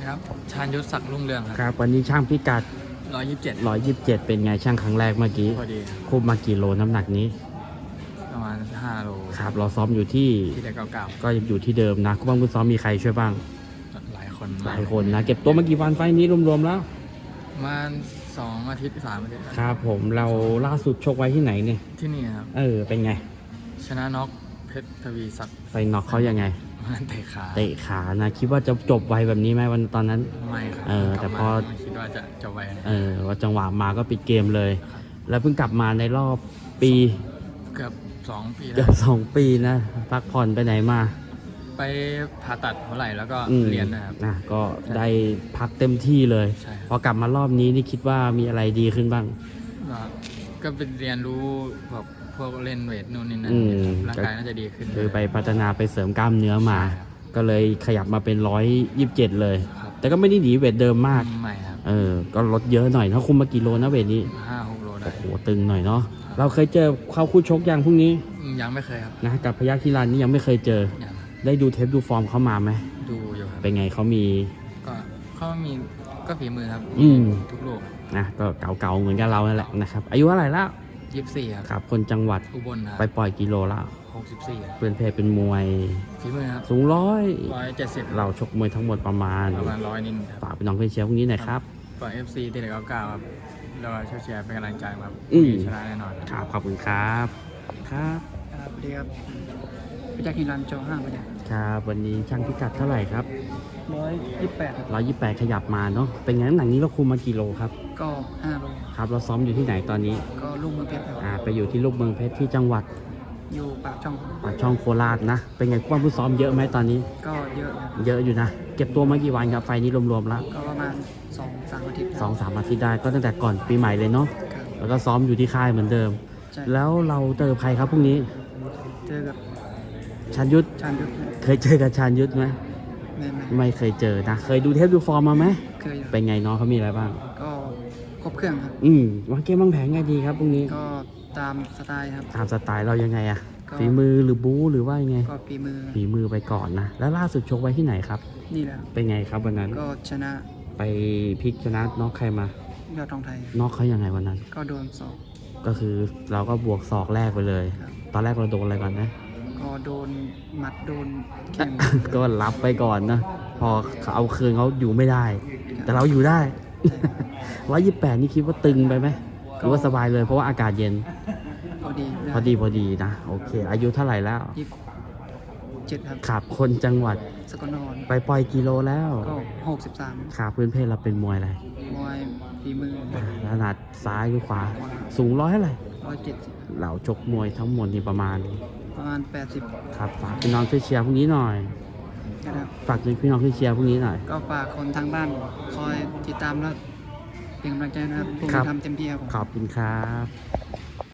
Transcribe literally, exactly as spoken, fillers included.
ครับชาญยุทธศักดิ์รุ่งเรืองคครัรับบ วันนี้ช่างพิกัดร้อยยี่สิบเจ็ดร้อยยี่สิบเจ็ดเป็นไงช่างครั้งแรกเมื่อกี้พอดีคุมมากี่โลน้ำหนักนี้ประมาณห้าโลครับเราซ้อมอยู่ที่ที่ได้เก้าเก้าก็ยังอยู่ที่เดิมนะคุณบ้างคุณซ้อมมีใครช่วยบ้างหลายคนหลายคนนะเก็บตัวมากี่วันไฟล์นี้รวมๆแล้วประมาณสองอาทิตย์สามอาทิตย์ครับผมเราล่าสุดชกไว้ที่ไหนเนี่ยที่นี่ครับเออเป็นไงชนะน็อกเพชรทวีศักดิ์ไฟน็อกเขายังไงมันเตะขาเตะขานะคิดว่าจะจบไวแบบนี้ไหมวันตอนนั้นไม่ครับเออแต่พอไม่คิดว่าจะจบไวนะเออว่าจังหวะมาก็ปิดเกมเลยครับแล้วเพิ่งกลับมาในรอบปีเกือบสองปีเกืแล้อวบสองปีนะพักผ่อนไปไหนมาไปผ่าตัดหัวไหล่แล้วก็อืมเรียนนะครับนะก็ได้พักเต็มที่เลยใช่ครับพอกลับมารอบนี้นี่คิดว่ามีอะไรดีขึ้นบ้างก็ก็เป็นเรียนรู้แบบพวกเล่นเวทนู่นนี่นั่นอืมร่างกายน่าจะดีขึ้นคือไปพัฒนาไปเสริมกล้ามเนื้อมาใช่ครับก็เลยขยับมาเป็นร้อยยี่สิบเจ็ดเลยครับแต่ก็ไม่ได้หนีเวทเดิมมากไม่ครับเออ ก็ลดเยอะหน่อยนะคุมมากี่โลนะเวทนี้ห้าหกโลได้โอ้โหตึงหน่อยเนาะเราเคยเจอเข้าคู่ชกยังพรุ่งนี้อืมยังไม่เคยครับนะกับพยัคฆ์ทีรันนี่ยังไม่เคยเจอยังได้ดูเทปดูฟอร์มเขามาไหมดูอยู่ครับเป็นไงเขามีก็เขามีก็ฝีมือครับอืมทุกลูกนะก็เก่าๆเหมือนกับเรานั่นแหละนะครับอายุเท่าไหร่แล้วยี่สิบสี่ครับครับคนจังหวัดอุบลคไปรับปล่อยกิโลแล้วหกสิบสี่เพื่อนเพศเป็นมวยฝีมือครับสูงร้อยร้อยเจ็ดสิบเราชกมวยทั้งหมดประมาณประมาณร้อยนิดครับฝากพี่น้องเพื่อนเชียร์พวกนี้หน่อยครับก่อนเอฟซีที่เหลือเก้าเก้าครับเราช่วยเชียร์เป็นกำลังใจครับอืมชนะแน่นอนครับขอบคุณครับครับครับสวัสดีครับพิจักรฮิรันโจห้าประจักษ์ครับวันนี้ช่างพิกัดเท่าไหร่ครับร้อยยี่สิบแปดร้อยยี่สิบแปดขยับมาเนาะเป็นไงน้ำหนักนี้เราคุมมากี่โลครับก็ห้าโลครับเราซ้อมอยู่ที่ไหนตอนนี้ก็ลูกมือเพชรครับอ่าไปอยู่ที่ลูกเมืองเพชรที่จังหวัดอยู่ปากช่องปากช่องโคราชนะ เป็นไงความผู้ซ้อมเยอะไหมตอนนี้ก็เยอะครับเยอะอยู่นะ เก็บตัวมากี่วันครับไฟล์นี้รวมๆแล้วก็ประมาณสองสามอาทิตย์สองสามอาทิตย์ได้ก็ตั้งแต่ก่อนปีใหม่เลยเนาะครับแล้วก็ซ้อมอยู่ที่ค่ายเหมือนเดิมใช่แล้วเราเจอใครครับพรุ่งนี้เจอกับชาญยุทธชาญยุทธเคยเจอกับชาญยุทธไหมแม่แม่ไม่เคยเจอนะ เคยดูเทปดูฟอร์มมาไหมเคยอยู่เป็นไงน้องเขามีอะไรบ้างก็ครบเครื่องครับอืมวางเกมวางแผนไงดีครับพรุ่งนี้ก็ตามสไตล์ครับตามสไตล์เรายังไงอะก็ฝีมือหรือบู๊หรือว่ายังไงก็ฝีมือฝีมือไปก่อนนะ แล้วล่าสุดชกไว้ที่ไหนครับนี่แหละเป็นไงครับวันนั้นก็ชนะไปพลิกชนะน็อกใครมายอดทองไทยน็อกเขายังไงวันนั้นก็โดนสอบก็คือเราก็บวกศอกแรกไปเลยครับตอนแรกเราโดนอะไรก่อนนะก็โดนหมัดโดนแข้งก็รับไปก่อนนะ พอเขาเอาคืนเขาอยู่ไม่ได้ แต่เราอยู่ได้ ร้อยยี่สิบแปดนี่คิดว่าตึงไปไหมหรือว่าสบายเลยเพราะว่าอากาศเย็นพอดีพอดีพอดีนะ โอเค อายุเท่าไหร่แล้วยี่สิบเจ็ดครับขับคนจังหวัดสกลนครไปปล่อยกิโลแล้วก็หกสิบสามขาพื้นเพศเราเป็นมวยอะไรมวยฝีมือถนัดซ้ายหรือขวา สูงร้อยเท่าไหร่ร้อยเจ็ดสิบเราชกมวยทั้งหมดนี่ประมาณประมาณแปดสิบครับฝากพี่น้องช่วยเชียร์พวกนี้หน่อยนะครับฝากพี่น้องช่วยเชียร์พวกนี้หน่อยก็ฝากคนทางบ้านคอยติดตามและเป็นกำลังใจนะครับผมครับทำเต็มที่ครับผมขอบคุณครับ